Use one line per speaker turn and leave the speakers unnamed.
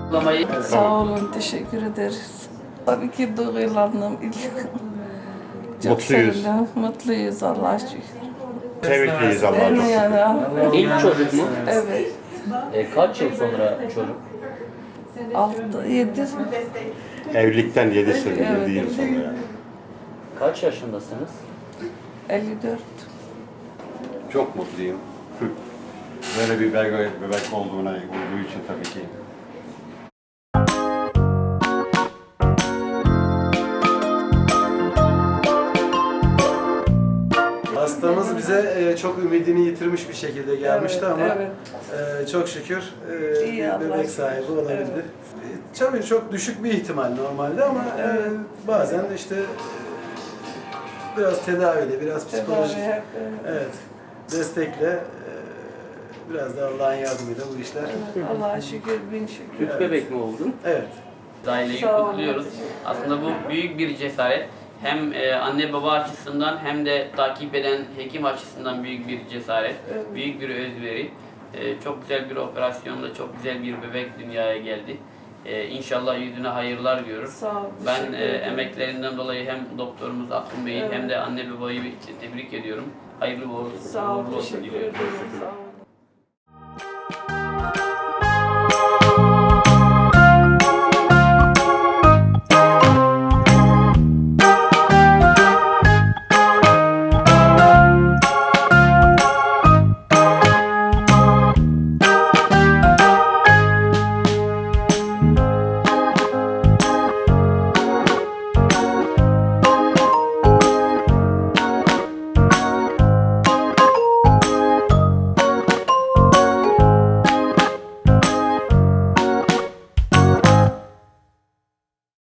Sağ olun, teşekkür ederiz. Tabii ki duygulandım. Çok
Mutluyuz.
sevindim, mutluyuz Allah'a şükür.
Sevinçliyiz Allah'a
Değil mi
çok
yani?
şükür.
İlk çocuk mu?
Evet.
Kaç yıl sonra çocuk?
7.
Evlilikten 7 sene,
Evet.
7 yıl sonra yani.
Kaç yaşındasınız?
54.
Çok mutluyum. Böyle bir bebek olduğu için tabii ki.
Hastamız bize çok ümidini yitirmiş bir şekilde gelmişti
Evet,
ama
evet.
çok şükür
İyi,
bir
Allah
bebek
şükür.
sahibi olabildi.
Evet.
Tabii çok düşük bir ihtimal normalde ama bazen işte biraz tedaviyle, biraz psikolojik
Tedavi hep,
evet, destekle biraz da Allah'ın yardımıyla bu işler.
evet. Allah'a şükür, bin şükür.
Üç bebek mi oldun?
Evet.
Aileyi
Sağ olun.
kutluyoruz. Aslında bu büyük bir cesaret. Hem anne baba açısından hem de takip eden hekim açısından büyük bir cesaret,
Evet.
büyük bir özveri. Çok güzel bir operasyonla çok güzel bir bebek dünyaya geldi. İnşallah yüzüne hayırlar diyoruz.
Sağ olun,
Ben
teşekkür ederim.
emeklerinden dolayı hem doktorumuz Akın Bey'i
Evet.
hem de anne babayı tebrik ediyorum. Hayırlı uğurlu
Sağ olun,
olsun
teşekkür
diliyorum.
ederim. Sağ olun.